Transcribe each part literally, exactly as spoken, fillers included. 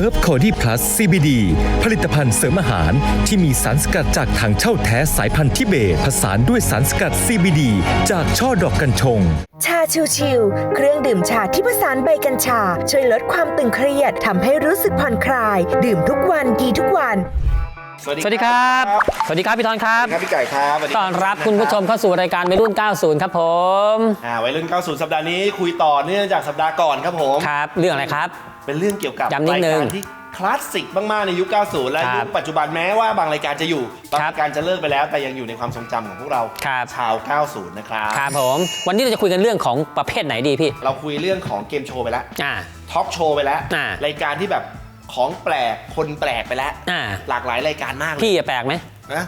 Herb Cody Plus ซี บี ดี ผลิตภัณฑ์เสริมอาหารที่มีสารสกัดจากถังเช่าแท้สายพันธุ์ทิเบตผสานด้วยสารสกัด ซี บี ดี จากช่อดอกกัญชงชาชิวๆเครื่องดื่มชาที่ผสานใบกัญชาช่วยลดความตึงเครียดทำให้รู้สึกผ่อนคลายดื่มทุกวันดีทุกวันสวัสดีครับ สวัสดีครับพี่ธรครับครับพี่ไก่ครับต้อนรับคุณผู้ชมเข้าสู่รายการวัยรุ่น เก้าสิบ ครับผมอ่าวัยรุ่น เก้าสิบ สัปดาห์นี้คุยต่อเนื่องจากสัปดาห์ก่อนครับผมครับเรื่องอะไรครับเป็นเรื่องเกี่ยวกับรายการที่คลาสสิกมากๆในยุค เก้าสิบ และยุคปัจจุบันแม้ว่าบางรายการจะอยู่บางรายการจะเลิกไปแล้วแต่ยังอยู่ในความทรงจำของพวกเราชาว เก้าสิบ นะครับครับผมวันนี้เราจะคุยกันเรื่องของประเภทไหนดีพี่เราคุยเรื่องของเกมโชว์ไปแล้วทอล์กโชว์ไปแล้วรายการที่แบบของแปลกคนแปลกไปแล้วหลากหลายรายการมากเลยพี่แปลกไหมนะ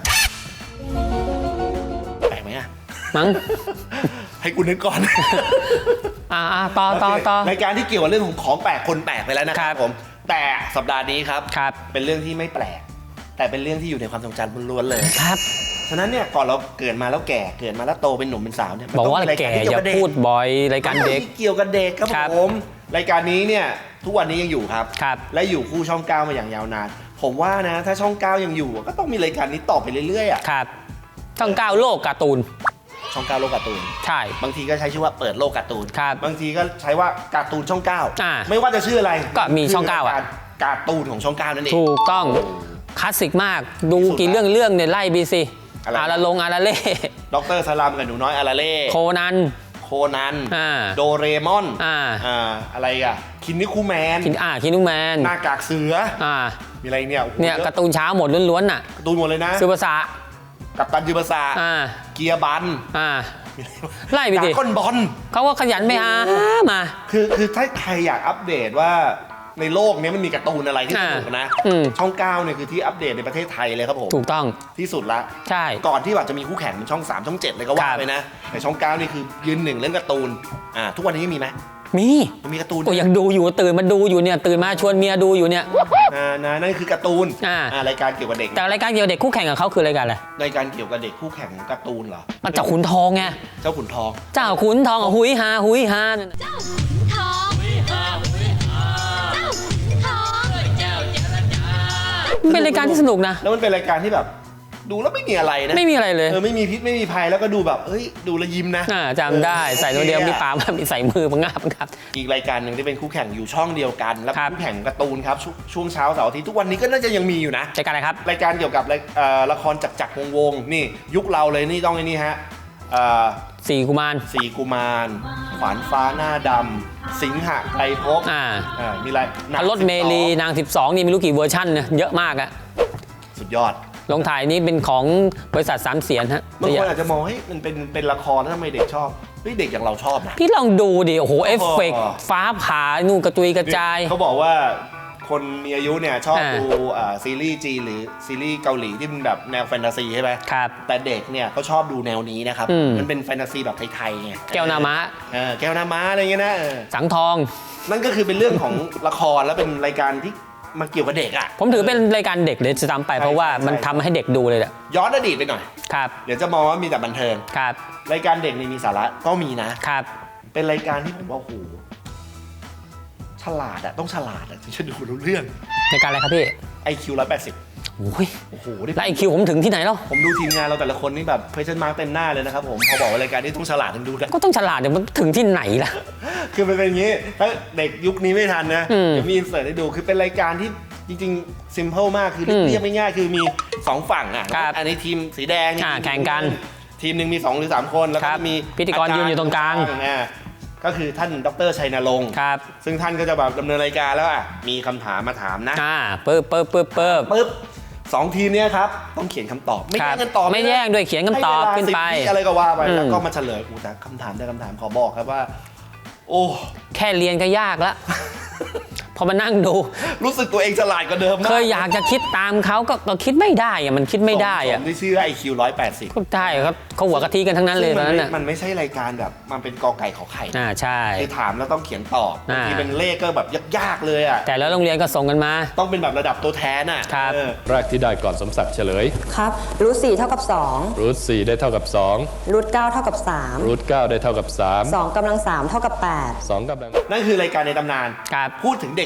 แปลกไหมอะมั้งให้กูนึกก่อนอ่าต่อต่อต่อรายการที่เกี่ยวกับเรื่องของของแปลกคนแปลกไปแล้วนะครับผมแต่สัปดาห์นี้ครับเป็นเรื่องที่ไม่แปลกแต่เป็นเรื่องที่อยู่ในความทรงจำล้วนเลยครับฉะนั้นเนี่ยก่อนเราเกิดมาแล้วแก่เกิดมาแล้วโตเป็นหนุ่มเป็นสาวเนี่ยบอกว่าแก่อย่าพูดบ่อยรายการเด็กเกี่ยวกับเด็กครับผมรายการนี้เนี่ยทุกวันนี้ยังอยู่ครับและอยู่คู่ช่องเก้ามาอย่างยาวนานผมว่านะถ้าช่องเก้ายังอยู่ก็ต้องมีรายการนี้ต่อไปเรื่อยๆอ่ะครับช่องเก้าโลกการ์ตูนช่องเก้าโลกการ์ตูนใช่บางทีก็ใช้ชื่อว่าเปิดโลกการ์ตูนครับบางทีก็ใช้ว่าการ์ตูนช่องเก้าไม่ว่าจะชื่ออะไรก็มีช่องเก้าอ่ะการ์ตูนของช่องเก้านั่นเองถูกต้องคลาสสิกมากดูกี่เรื่องเรื่องเนี่ยไล่บีซีอาราลงอาราเล่ด็อกเตอร์สลามกับหนูน้อยอาราเล่โคนันโคนันโดเรมอนอ่าอะไรอ่ะคินนิคูแมนคินอ่าคินนิคูแมนหน้ากากเสืออ่ามีอะไรเนี่ยเนี่ยการ์ตูนเช้าหมดล้วนๆน่ะการ์ตูนหมดเลยนะซูเปอร์ซากัปตันซูเปอร์ซาอ่าเกียร์บันอ่าไล่ไปดิก้นบอลเขาก็ขยันไปหามาคือคือถ้าใครอยากอัปเดตว่าในโลกนี้มันมีการ์ตูนอะไรที่สนุกนะช่องเก้าเนี่ยคือที่อัปเดตในประเทศไทยเลยครับผมถูกต้องที่สุดละใช่ก่อนที่แบบจะมีคู่แข่งเป็นช่องสามช่องเจ็ดเลยก็ว่าไปนะแต่ช่องเก้านี่คือยืนหนึ่งเรื่องการ์ตูนอ่าทุกวันนี้ยังมีไหมมีมีการ์ตูนโอ้ยังดูอยู่ตื่นมาดูอยู่เนี่ยตื่นมาชวนเมียดูอยู่เนี่ยอ่านั่นคือการ์ตูนอ่ารายการเกี่ยวกับเด็กแต่รายการเกี่ยวกับเด็กคู่แข่งกับเขาคือรายการอะไรรายการเกี่ยวกับเด็กคู่แข่งของการ์ตูนเหรอเจ้าขุนทองไงเจ้าขุนทองเจ้าขุนทองหุยฮาหุยฮาเจ้าขุนทองหุยฮาหุยฮาเจ้าขุนทองเจ้าเจรจาเป็นรายการที่สนุกนะแล้วมันเป็นรายการที่แบบดูแล้วไม่มีอะไรนะไม่มีอะไรเลยเออไม่มีพิษไม่มีภัยแล้วก็ดูแบบเอ้ยดูแล้วยิ้มนะจำได้ใส่ตัวเดียวมีปากมีใส่มือมังงาบครับอีกรายการหนึ่งที่เป็นคู่แข่งอยู่ช่องเดียวกันแล้วคู่แข่งการ์ตูนครับช่วงเช้าเสาร์อาทิตย์ทุกวันนี้ก็น่าจะยังมีอยู่นะรายการอะไรครับรายการเกี่ยวกับละครจักรจักรวงศ์นี่ยุคเราเลยนี่ต้องไอ้นี่ฮะสี่กุมารสี่กุมารขวานฟ้าหน้าดำสิงหะไตรภพอ่ามีอะไรรถเมลีนางสิบสองนี่ไม่รู้กี่เวอร์ชันเนี่ยเยอะมากอะสุดยอดลงถ่ายนี้เป็นของบริษัทสามเสียนฮะบางคนอาจจะมองให้มันเป็นเป็นละครแล้วทำไมเด็กชอบเฮ้ยเด็กอย่างเราชอบนะพี่ลองดูดิโอ้โหเอฟเฟกต์ฟ้าผ่านู่นกระจุยกระจายเขาบอกว่าคนมีอายุเนี่ยชอบดูซีรีส์จีนหรือซีรีส์เกาหลีที่มันแบบแนวแฟนตาซีใช่ไหมครับแต่เด็กเนี่ยเขาชอบดูแนวนี้นะครับมันเป็นแฟนตาซีแบบไทยๆไงแก้วนามะแก้วนามะอะไรเงี้ยนะสังทองนั่นก็คือเป็นเรื่องของละครแล้วเป็นรายการที่มันเกี่ยวกับเด็กอ่ะผมถือเป็นรายการเด็กเลยจะทำไปเพราะว่ามันทำให้เด็กดูเลยแหละย้อนอดีตไปหน่อยครับเดี๋ยวจะมองว่ามีแต่บันเทิงครับรายการเด็กนี่มีสาระก็มีนะครับเป็นรายการที่ผมว่าโอ้โหฉลาดอะต้องฉลาดอะถึงจะดูรู้เรื่องรายการอะไรครับพี่ไอ คิว หนึ่งร้อยแปดสิบโอ้ยโอ้โหแล้วไอคิวผมถึงที่ไหนแล้วผมดูทีมงานเราแต่ละคนนี่แบบเพชรมาร์กเต็มหน้าเลยนะครับผมพอบอกว่ารายการนี้ต้องฉลาดถึงดูได้ก็ต้องฉลาดเดี๋ยวมันถึงที่ไหนล่ะคือมันเป็นอย่างนี้ถ้าเด็กยุคนี้ไม่ทันนะเดี๋ยวมีอินเสิร์ตให้ดูคือเป็นรายการที่จริงๆซิมเพิลมากคือเรียบง่ายๆคือมีสองฝั่งอ่ะอันนี้ทีมสีแดงแข่งกันทีมหนึ่งมีสองหรือสามคนแล้วก็มีพิธีกรยืนอยู่ตรงกลางก็คือท่านดร.ชัยนรงค์ซึ่งท่านก็จะแบบดำเนินรายการแล้วอ่ะมีคำถามมาถามนะอ่าปึ๊บปึ๊บปึ๊บปึ๊บปึ๊บสองทีมเนี้ยครับต้องเขียนคำตอบไม่แย่งกันตอบไม่แย่งด้วยเขียนคำตอบขึ้นไปอะไรก็ว่าไปแล้วก็มาเฉลยอูแต่คำถามได้คำถามขอบอกครับว่าโอ้แค่เรียนก็ยากแล้วพอมานั่งดูรู้สึกตัวเองฉลาดกว่าเดิมเคยอยากจะคิดตามเขาก็ก็คิดไม่ได้อะมันคิดไม่ได้อะผมที่ชื่อ ไอ คิว หนึ่งร้อยแปดสิบก็ได้ครับเขาหัวกะทิกันทั้งนั้นเลยตอนนั้นน่ะมันไม่ใช่รายการแบบมันเป็นกอไก่ขอไข่อ่าใช่คือถามแล้วต้องเขียนตอบบางทีเป็นเลขก็แบบยากๆเลยอ่ะแต่แล้วโรงเรียนก็ส่งกันมาต้องเป็นแบบระดับตัวแทนอ่ะครับแรกที่ได้ก่อนสมศักดิ์เฉลยครับรูทสี่เท่ากับสองรูทสี่ได้เท่ากับสองรูทเก้าเท่ากับสามรูทเก้าได้เท่ากับสามสองกำลังสามเท่ากับแปดสองกำลังนั่นคือรายการในตำนานครับพูดถึงเด็ก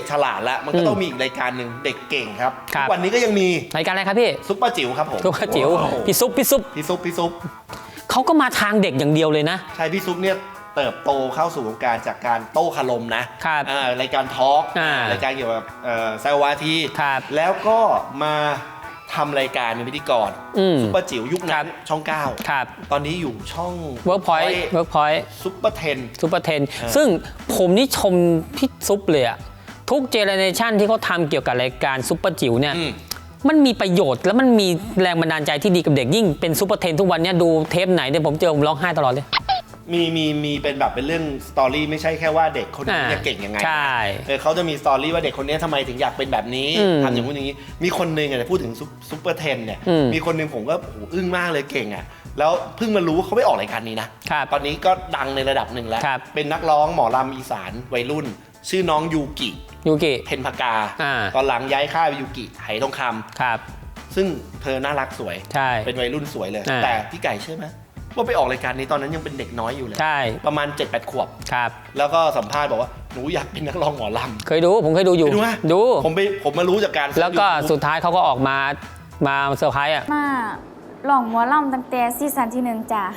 ฉลาดแล้วมันก็ต้องมีอีกรายการหนึ่งเด็กเก่งครับครัทุบกวันนี้ก็ยังมีรายการอะไรครับพี่ซุปเปอร์จิ๋วครับผมตุ๊กจิ๋วโอ้โหพี่ซุปพี่ซุปพี่ซุปพี่ซุปเขาก็มาทางเด็กอย่างเดียวเลยนะใช่พี่ซุปเนี่ยเติบโตเข้าสู่วงการจากการโต้คารมนะครับ อ่ารายการทอล์กอ่ารรายการเกี่ยวกับเอ่อแซววาทีครับแล้วก็มาทำรายการเป็นพิธีกรอืมซุปเปอร์จิ๋วยุคครันั้บนช่องเก้าครับตอนนี้อยู่ช่องเวิร์กพอยต์เวิร์กพอยต์ซุปเปอร์เทนซูเปอร์เทนอ่าซึ่งผมนี่ชมพี่ซุปเลยอะทุกเจเนเรชันที่เขาทำเกี่ยวกับรายการซุปเปอร์จิ๋วเนี่ยอืมมันมีประโยชน์แล้วมันมีแรงบันดาลใจที่ดีกับเด็กยิ่งเป็นซูเปอร์เทนทุกวันเนี้ยดูเทปไหนเนี่ยผมเจอผมร้องไห้ตลอดเลยมีมีมีเป็นแบบเป็นเรื่องสตอรี่ไม่ใช่แค่ว่าเด็กคนนี้อ่าจะเก่งยังไงใช่เออเขาจะมีสตอรี่ว่าเด็กคนนี้ทำไมถึงอยากเป็นแบบนี้อืมทำอย่างนู้นอย่างนี้ มีคนหนึ่งอ่ะพูดถึงซุปเปอร์เทนเนี่ยอืมมีคนหนึ่งผมก็โอ้โหอึ้งมากเลยเก่งอ่ะแล้วเพิ่งมารู้ว่าเขาไม่ออกรายการนี้นะครับ ตอนนี้ก็ดังในระดับหนึ่งแล้วครับเป็นนักร้องหมอลำอีสานวัยรุ่น ชื่อน้องยูกิยูกิเพนพกาอ่าตอนหลังย้ายค่ายไปยูกิไหทองคครับำซึ่งเธอน่ารักสวยใช่เป็นวัยรุ่นสวยเลยอ่าแต่พี่ไก่เชื่อไหมว่าไปออกรายการนี้ตอนนั้นยังเป็นเด็กน้อยอยู่เลยใช่ประมาณ เจ็ดแปด ขวบครับแล้วก็สัมภาษณ์บอกว่าหนูอยากเป็นนักร้องหมอลำเคยดูผมเคยดูอยู่ไปดูไหมดูผมไปผมมารู้จากการแล้วก็ YouTube สุดท้ายเขาก็ออกมามาเซอร์ไพรส์อ่ะมาหลองหมอลำตั้งแต่ซีซั่นที่หนึ่งจ้ะ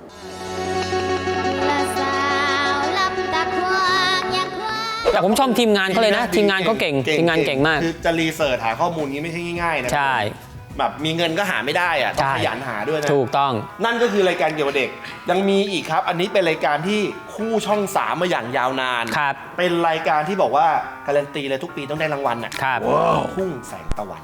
ละสาวลับตาควางอยากควางแต่ผมชอบทีมงานเขาเลยนะ ทีมงานเขาเก่งทีมงานเก่งมากคือจะรีเสิร์ชหาข้อมูลนี้ไม่ใช่ง่ายๆนะใช่แบบมีเงินก็หาไม่ได้อะต้องใช่ขยันหาด้วยนะถูกต้องนั่นก็คือรายการเกี่ยวกับเด็ก ยังมีอีกครับ อันนี้เป็นรายการที่คู่ช่องสามมาอย่างยาวนานครับเป็นรายการที่บอกว่าการันตีเลยทุกปีต้องได้รางวัลน่ะครับทุ่งแสงตะวัน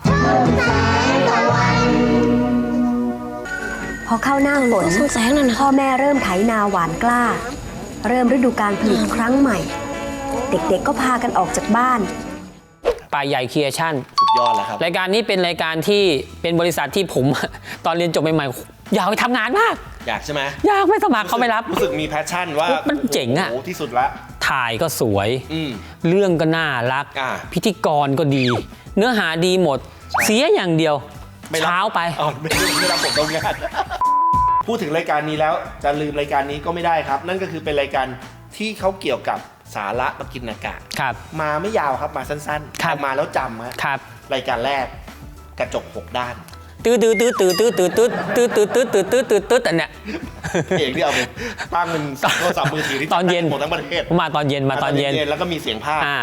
พอเข้าหน้าฝนพ่อแม่เริ่มไถนาหวานกล้า เริ่มฤดูการผลิตครั้งใหม่ เด็กๆก็พากันออกจากบ้านป่าใหญ่ครีเอชั่นสุดยอดแล้วครับรายการนี้เป็นรายการที่เป็นบริษัทที่ผม ตอนเรียนจบใหม่ๆอยากไปทำงานมากอยากใช่ไหมอยากไม่สมัครเขาไม่รับรู้สึกมีแพชชั่นว่ามันเจ๋งอะโโหที่สุดละถ่ายก็สวยอืมเรื่องก็น่ารักอ่าพิธีกรก็ดี เนื้อหาดีหมด เสียอย่างเดียวไม่รับเช้าไปอ๋อไม่ไม่รับผมตรงงาน พูดถึงรายการนี้แล้วจะลืมรายการนี้ก็ไม่ได้ครับ นั่นก็คือเป็นรายการที่เขาเกี่ยวกับสาระประกินอากาศครับมาไม่ยาวครับมาสั้นๆครับแต่มาแล้วจำฮะครับรายการแรกกระจกหกด้านตื้อตื้อตื้อตื้อตื้อตื้อตื้อตื้อตื้อตื้อตื้อตื้อตื้อตื้ออันเนี้ยเอกที่เอาไปตั้งเป็นโทรศัพท์มือถือที่ตอนเย็นหมดทั้งประเทศผมมาตอนเย็นมาตอนเย็นแล้วก็มีเสียงภาคอ่า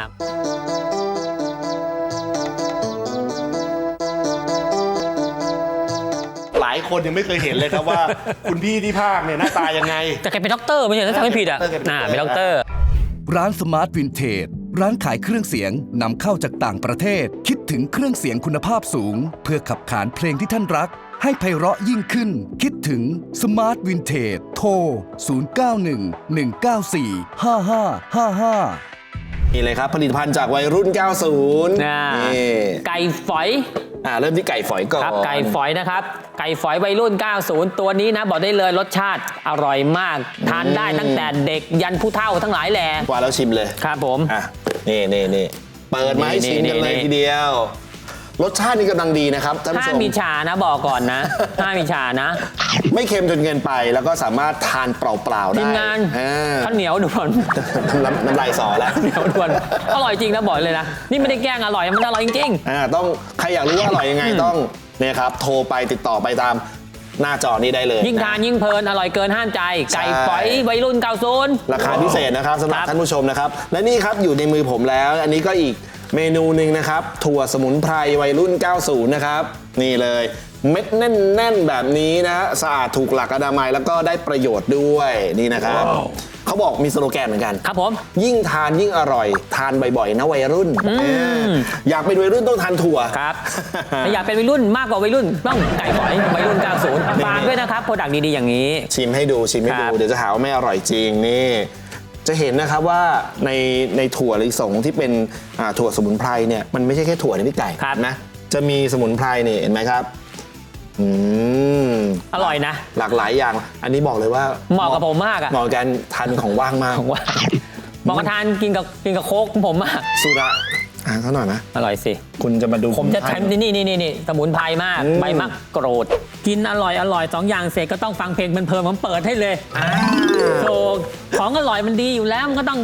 หลายคนยังไม่เคยเห็นเลยครับว่า คุณพี่ที่ภาคเนี่ยหน้าตายังไงแต่แกเป็นด็อกเตอร์ไม่ใช่ถ้าจำไม่ผิดอ่ะเป็นด็อกเตอร์อ่าเป็นด็อกเตอร์ร้านสมาร์ทวินเทจร้านขายเครื่องเสียงนำเข้าจากต่างประเทศ คิดถึงเครื่องเสียงคุณภาพสูง เพื่อขับขานเพลงที่ท่านรัก ให้ไพเราะยิ่งขึ้น คิดถึงสมาร์ทวินเทจโทร ศูนย์ เก้า หนึ่ง หนึ่ง เก้า สี่ ห้า ห้า ห้า ห้านี่เลยครับผลิตภัณฑ์จากวัยรุ่น เก้าสิบอ่านี่ไก่ฝอยอ่าเริ่มที่ไก่ฝอยก่อนครับไก่ฝอยนะครับ ไก่ฝอยวัยรุ่น เก้าสิบ ตัวนี้นะบอกได้เลยรสชาติอร่อยมาก ทานได้ตั้งแต่เด็กยันผู้เฒ่าทั้งหลายแหล่ว่าแล้วชิมเลยครับผมอ่ะนี่นี่นี่เปิดมาให้ชิมกันเลยนี่ทีเดียว รสชาตินี่กำลังดีนะครับท่านผู้ถ้าชมมีชานะบอกก่อนนะ ถ้ามีชานะไม่เค็มจนเกินไปแล้วก็สามารถทานเปล่าๆได้ทีมงานอ่าข้าวเหนียวด่วนน้ำน้ำลายสอแล้วเหนียวด่วนอร่อยจริงนะบอกเลยนะ นี่ไม่ได้แกล้งอร่อยมันอร่อยจริงอ่าต้องใครอยากรู้ว่าอร่อยยังไงต้องเนี่ยครับโทรไปติดต่อไปตามหน้าจอนี้ได้เลยๆยิ่งทานยิ่งเพลินอร่อยเกินห้ามใจ ไก่ฝอยวัยรุ่น เก้าสิบราคาพิเศษนะครับสำหรับครับท่านผู้ชมนะครับ และนี่ครับอยู่ในมือผมแล้ว อันนี้ก็อีกเมนูหนึ่งนะครับ ถั่วสมุนไพรวัยรุ่น เก้าสิบ นะครับ นี่เลยเม็ดแน่นๆแบบนี้นะสะอาดถูกหลักอนามัยแล้วก็ได้ประโยชน์ด้วยนี่นะครับ เขาบอกมีสโลแกนเหมือนกันครับผมยิ่งทานยิ่งอร่อย ทานบ่อยๆนะวัยรุ่นเอออยากเป็นวัยรุ่นต้องทานถั่วครับถ้าอยากเป็นวัยรุ่นมากกว่าวัยรุ่นต้องไก่ฝอยวัยรุ่น เก้าสิบ ฝากด้วยนะครับโปรดักต์ดีๆอย่างนี้ชิมให้ดูชิมให้ครัดูบเดี๋ยวจะหาว่าไม่อร่อยจริงนี่จะเห็นนะครับว่าในในถั่วลิสงที่เป็นอ่าถั่วสมุนไพรเนี่ยมันไม่ใช่แค่ถั่วนะพี่ไก่ครับนะจะมีสมุนไพรนี่เห็นไหมครับอืมอร่อยนะหลากหลายอย่าง อันนี้บอกเลยว่าเหมาะกับผมมากอะเหมาะกับการทานของว่างมากผมว่าเหมาะกับทานกินกับกินกับโค้กของผมมากสุระอ่าเท่าหน่อยนะอร่อยสิคุณจะมาดูผมจะสมุนไพรทำที่นี่นี่นี่นี่สมุนไพรมากอืมใบมะกรูด กินอร่อยอร่อยสองอย่างเสร็จก็ต้องฟังเพลงเพลินๆผมเปิดให้เลยอ่าโถของอร่อยมันดีอยู่แล้วมันก็ต้อง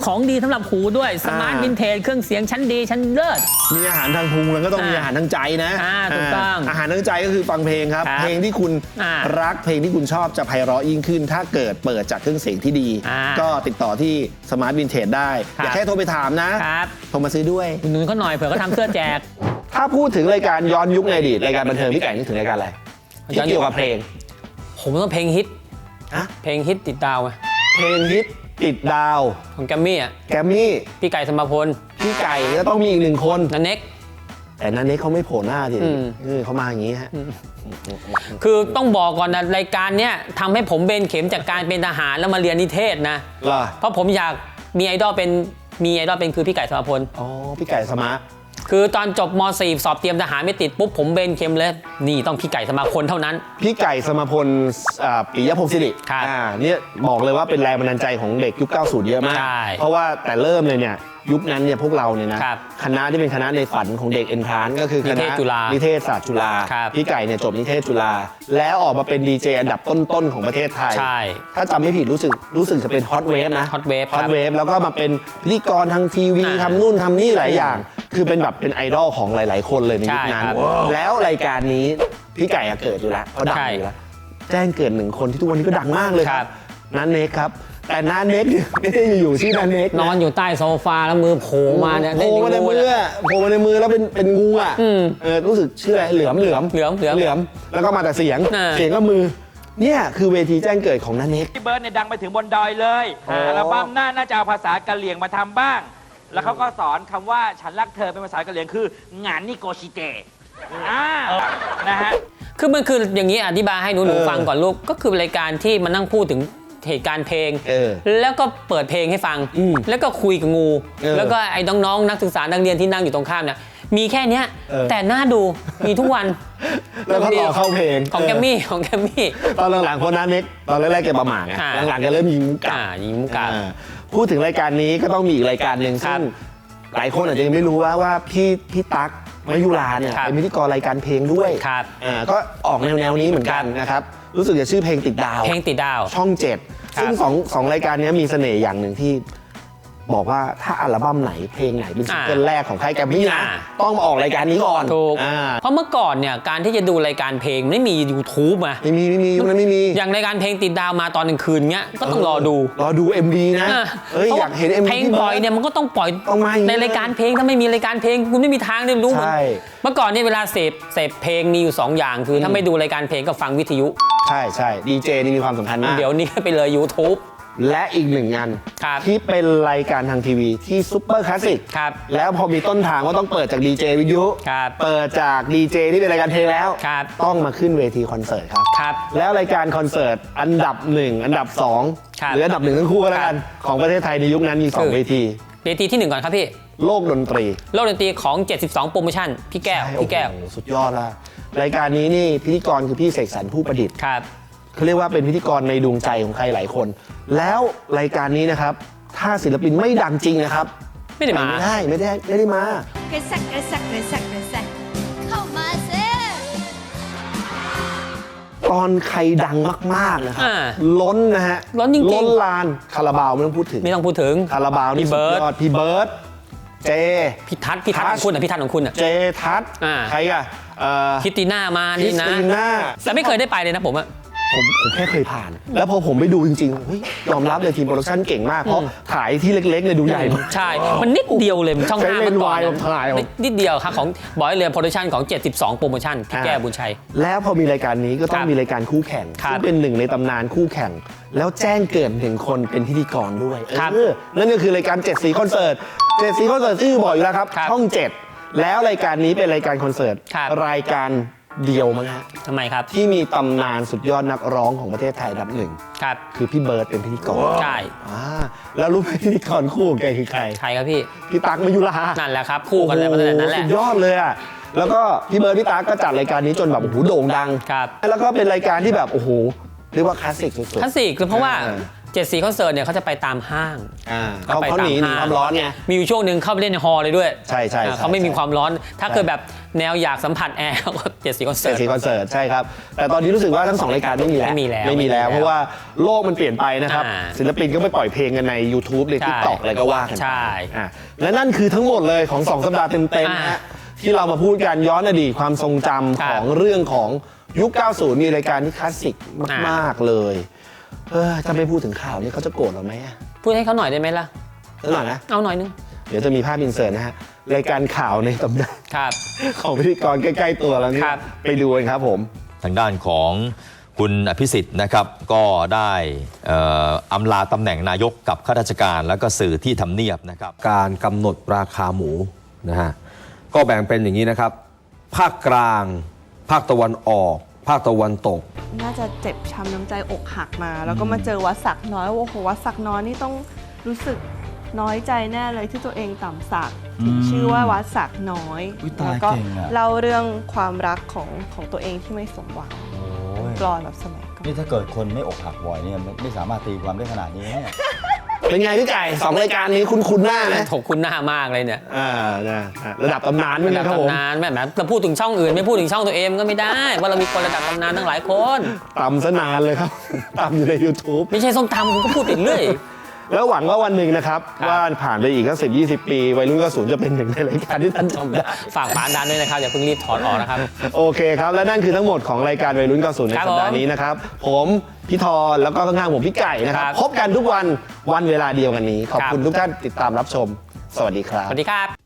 ของดีสำหรับหูด้วยสมาร์ทวินเทจเครื่องเสียงชั้นดีชั้นเลิศมีอาหารทางพุงแล้วก็ต้องอ่ามีมีอาหารทางใจนะอ่าถูกต้องอาหารทางใจก็คือฟังเพลงครับครับเพลงที่คุณอ่ารักเพลงที่คุณชอบจะไพเราะยิ่งขึ้น ถ้าเกิดเปิดจากเครื่องเสียงที่ดีอ่าก็ติดต่อที่สมาร์ทวินเทจได้ครับอย่าแค่โทรไปถามนะครับ โทรมาซื้อด้วยอุดหนุนเขาหน่อยเผื่อเขาทำเสื้อแจกถ้าพูดถึงรายการย้อนยุคในอดีตรายการบันเทิงพี่ไก่นึกถึงรายการอะไรย้อนยุคที่เกี่ยวกับเพลงผมต้องเพลงฮิตฮะเพลงฮิตติดดาวไงเพลงฮิตติดดาวของแกมมี่อ่ะแกรมมี่พี่ไก่สมภพลพี่ไก่ก็ต้องมีอีกหนึ่งคนนันเน็กแต่นันนี้เขาไม่โผล่หน้าทีอืมเออเขามาอย่างนี้ฮะคือต้องบอกก่อนนะรายการเนี้ยทำให้ผมเบนเข็มจากการเป็นทหารแล้วมาเรียนนิเทศนะเหรอเพราะผมอยากมีไอดอลเป็นมีไอดอลเป็นคือพี่ไก่สมภพลอ๋อพี่ไก่สมาร์ทคือตอนจบม .สี่ สอบเตรียมทหารไม่ติดปุ๊บผมเบนเข็มเลยนี่ต้องพี่ไก่สมาพลเท่านั้นพี่ไก่สมพลอ่าปิยพงศ์สิริครับอ่าเนี่ยบอกเลยว่าเป็นแรงบันดาลใจของเด็กยุค เก้าสิบ เยอะมากใช่เพราะว่าแต่เริ่มเลยเนี่ยยุคนั้นเนี่ยพวกเราเนี่ยนะครับ คณะที่เป็นคณะในฝันของเด็กเอ็นทรานก็คือคนิณะเทศจุฬานินิเทศศาสตร์จุฬาครับพี่ไก่เนี่ยจบนิเทศจุฬาแล้วออกมาเป็นดีเจอันดับต้นๆของประเทศไทยใช่ถ้าจำไม่ผิดรู้สึกรู้สึกจะเป็นฮอตเวฟนะ Hot Wave ฮอครัตบเวฟแล้วก็มาเป็นพิธีกรทางทีวีอ่าทำนู่นทำนี่หลายอย่าง คือเป็นแบบเป็นไอดอลของหลาย ๆ คนเลยในยุคนั้นใช่ครับแล้วรายการนี้พี่ไก่อะเกิดอยู่แล้วเขาดังใช่อยู่แล้ว แจ้งเกิดหนึ่งคนที่ทุกวันนี้ก็ดังมากเลยคครัรับบ นันเน็กครับ แต่นันเน็กเนี่ยไม่ได้อยู่ๆชื่อนันเน็กนอนอยู่ใต้โซฟาแล้วมือโผล่มาเนี่ยโผล่มาในมือเล่นอะโผล่มาในมือแล้วเป็นเป็นงูอ่ะอืมเออรู้สึกชื่ออะไรเหลือมเหลือมเหลือมเหลือมเหลือมแล้วก็มาแต่เสียงอ่าเสียงก็มือเนี่ยคือเวทีแจ้งเกิดของนันเน็กพี่เบิร์ดเนี่ยดังไปถึงบนดอยเลยอัลบั้มหน้าน่าจะเอาภาษากะเหรี่ยงมาทำบ้าง แล้วเขาก็สอนคำว่าฉันรักเธอเป็นภาษากะเหรี่ยงคืองานนิโกชิเตะอ่านะฮะคือมันคืออย่างนี้อธิบายให้หนูหนูเออฟังก่อนลูกก็คือรายการที่มันนั่งพูดถึงเหตุการณ์เพลงเออแล้วก็เปิดเพลงให้ฟังอืมแล้วก็คุยกับงูเออแล้วก็ไอ้น้องๆนักศึกษานักเรียนที่นั่งอยู่ตรงข้ามเนี่ยมีแค่เนี้ยเออแต่น่าดูมีทุกวันแล้วก็ต่อเข้าเพลงของแกมมี่ของแกมมี่ตอนหลังๆคนนันเน็กตอนแรกๆแกประหม่าไงอ่าหลังๆแกเริ่มยิงมุกกลับอ่ายิงมุกกลับอ่าพูดถึงรายการนี้ก็ต้องมีอีกรายการหนึ่งครัซึ่บงหลายคนอาจจะยังไม่รู้ว่าว่าพี่พี่ตั๊กมายุราเนี่ยครับเป็นพิธีกรรายการเพลงด้วยครับอ่าก็ออกแนวแนวๆนี้เหมือนกันนะครับรู้สึกจะชื่อเพลงติดดาวเพลงติดดาวช่องเจ็ดครับซึ่งสองสองรายการนี้มีเสน่ห์อย่างหนึ่งที่บอกว่าถ้าอัลบั้มไหนเพลงไหนเป็นซิงเกิลแรกของค่ายแกรมมี่นะอ่าต้องมาออกรายการนี้ก่อนถูกอ่าเพราะเมื่อก่อนเนี่ยการที่จะดูรายการเพลงไม่มี YouTube มาไม่มีไม่มียุคนั้นไม่มีอย่างรายการเพลงติดดาวมาตอนกลางคืนเงี้ยก็ต้องรอดูรอดู เอ็ม ดี นะอ่ะเอ้ยพระอยากเห็น เอ็ม ดีเพลงปล่อยเนี่ยมันก็ต้องปล่อยต้องมาอย่างนี้ในรายการเพลงถ้าไม่มีรายการเพลงคุณไม่มีทางได้รู้ใช่เมื่อก่อนเนี่ยเวลาเสพเสพเพลงมีอยู่สองอย่างคือถ้าไม่ดูรายการเพลงก็ฟังวิทยุใช่ใช่ดีเจนี่มีความสำคัญมากเดี๋ยวนี้ไปเลย YouTube และอีกหนึ่งงานครับที่เป็นรายการทางทีวีที่ซุปเปอร์คลาสสิกครับแล้วพอมีต้นทางก็ต้องเปิดจากดีเจวิทยุครับเปิดจากดีเจที่เป็นรายการเพลงแล้วครับต้องมาขึ้นเวทีคอนเสิร์ตครับครับแล้วรายการคอนเสิร์ตอันดับหนึ่งอันดับสองครับหรืออันดับหนึ่งทั้งคู่ก็แล้วกันของประเทศไทยในยุคนั้นมีสองคือเวทีเวทีที่หนึ่งก่อนครับพี่โลกดนตรีโลกดนตรีของ เจ็ดสิบสอง โปรโมชั่นพี่แก้วพี่แก้วโอ้โหสุดยอดละรายการนี้นี่พิธีกรคือพี่เสกสรรผู้ประดิษฐ์ครับเขาเรียกว่าเป็นพิธีกรในดวงใจของใครหลายคน แล้วรายการนี้นะครับ ถ้าศิลปินไม่ดังจริงนะครับไม่ได้มาไม่ได้ไม่ได้ไม่ได้มากระแซกกระแซกกระแซกกระแซกเข้ามาสิตอนใครดังมากๆนะครับอ่าล้นนะฮะล้นจริงๆล้นลานคาราบาวไม่ต้องพูดถึงไม่ต้องพูดถึงคาราบาวนี่พี่สุเบิดร์ดยอดพี่เบิร์ดเจพี่ทัศน์พี่ทัศน์ทัขศน์องคุณอ่ะพี่ทัศน์ของคุณอ่ะเจทัศน์อ่าใครอะเอ่อคิตติน่ามาครินี่สนะติน่าแต่ไม่เคยได้ไปเลยนะผมอะผมผมแค่เคยผ่าน แล้วพอผมไปดูจริงๆเฮ้ยยอมรับเลยทีมโปรดักชั่นเก่งมาก เพราะถ่ายที่เล็กๆเนี่ยดูใหญ่มากใช่ มันนิดเดียวเลยช่องใช้ห้าเลเมื่นอส์ก่อนวายนะมาถ่ายเอานิดนิดเดียวครับของบอยเรือโปรดักชั่นของ เจ็ดสิบสอง โปรโมชั่นพี่แก้วบุญชัยแล้วพอมีรายการนี้ก็ต้อคงรับมีรายการคู่แข่งครับซึ่งเป็นหนึ่งในตำนานคู่แข่ง แล้วแจ้งเกิดหนึ่งคนเป็นพิธีกรด้วยครับเออนั่นก็คือรายการเจ็ดสีคอนเสิร์ตเจ็ดสีคอนเสิร์ตชื่อบอกอยู่แล้วครับครับช่องเจ็ดแล้วรายการนี้เป็นรายการคอนเสิร์ตครับรายการเดียวมั้งฮะทำไมครับที่มีตำนานสุดยอดนักร้องของประเทศไทยอันดับหนึ่งครับคือพี่เบิร์ดเป็นพิธีกรใช่อ่าแล้วรู้ไหมพิธีกรคู่ของแกคือใครใครครับพี่พี่ตั๊กมายุรานั่นแหละครับ คู่กันเลยมาตั้งแต่นั้นแหละสุดยอดเลยอ่ะ แล้วก็พี่เบิร์ดพี่ตั๊กก็จัดรายการนี้จนแบบโอ้โหโด่งดังครับแล้วก็เป็นรายการที่แบบโอ้โหเรียกว่าคลาสสิกสุดๆคลาสสิกเพราะว่าอ่าเจ็ดสีคอนเสิร์ตเนี่ยเขาจะไปตามห้างอ่าก็เขาไปเขาหนีหนีความร้อนไงมีอยู่ช่วงหนึ่งเข้าไปเล่นในฮอลล์เลยด้วยใช่ใช่อ่าใช่เขาไม่มีใช่ความร้อน ถ้าใช่เกิดแบบแนวอยากสัมผัสแอร์ก็เจ็ดสีคอนเสิเจ็ร์ดตสีคอนเสิร์ตใช่ครับ แต่ตอนนี้รู้สึกว่าทั้งสองรายการไม่มีแล้วไม่มีแล้วไม่มีแล้วไม่มีแล้วเพราะว่าโลกมันเปลี่ยนไปนะครับอ่าศิลปินก็ไปปล่อยเพลงกันใน YouTube ในใช่ TikTok อะไรก็ว่ากันไปใช่อ่ะและนั่นคือทั้งหมดเลยของสองสัปดาห์เต็มๆนะอ่าฮะที่เรามาพูดกันย้อนอดีตความทรงจำครับของเรื่องของยุค เก้าสิบ มีรายการที่คลาสสิกมากๆเลยเออถ้าไม่พูดถึงข่าวนี้เขาจะโกรธเราไหมอะพูดให้เขาหน่อยได้ไหมล่ะสักหน่อยนะเอาหน่อยนึงเดี๋ยวจะมีภาพอินเสิร์ตนะฮะรายการข่าวในตำนานครับของพิธีกรใกล้ๆตัวแล้วนี่ครับไปดูกันครับผมทางด้านของคุณอภิสิทธิ์นะครับก็ได้เอ่ออำลาตำแหน่งนายกกับข้าราชการแล้วก็สื่อที่ทำเนียบนะครับการกำหนดราคาหมูนะฮะก็แบ่งเป็นอย่างนี้นะครับ ภาคกลาง ภาคตะวันออก ภาคตะวันตกน่าจะเจ็บช้ำน้ำใจอกหักมา แล้วก็มาเจอวัดศักดิ์น้อยโอ้โหวัดศักดิ์น้อยนี่ต้องรู้สึกน้อยใจแน่เลยที่ตัวเองต่ำสักถึงชื่อว่าวัดศักดิ์น้อยแล้วก็เล่าเรื่องความรักของของตัวเองที่ไม่สมหวังกลอนแบบสมัยก่อนนี่ถ้าเกิดคนไม่อกหักบ่อยเนี่ยไม่ไม่สามารถตีความได้ขนาดนี้เนี่ยเป็นไงพี่ไก่สองรายการนี้คุ้นๆหน้าไหมถกคุณหน้ามากเลยเนี่ยอ่านะระดับตำนานเหมือนกันครับผมตำนานแม่แม่เราพูดถึงช่องอื่นไม่พูดถึงช่องตัวเองก็ไม่ได้ว่าเรามีคนระดับตำนานตั้งหลายคนตำซะนานเลยครับ ตำอยู่ใน YouTube ไม่ใช่ส้มตำคุณก็พูดติดเรื่อยแล้วหวังว่าวันหนึ่งนะครับ ว่าผ่านไปอีกก็สิบยี่สิบปี วัยรุ่นก็ศูนย์จะเป็นหนึ่งในรายการที่ท่านชมได้ฝากฝาดันด้วยนะครับอย่าเพิ่งรีบถอดออกนะครับโอเคครับ และนั่นคือทั้งหมดของรายการวัยรุ่นเก้าสิบในครับสัปดาห์ผมนี้นะครับ ผมพี่ทอนแล้วก็ข้างๆผมพี่ไก่นะครับครับพบกันทุกวันวันเวลาเดียวกันนี้ ขอบครับคุณทุกท่านติดตามรับชม สวัสดีครับสวัสดีครับ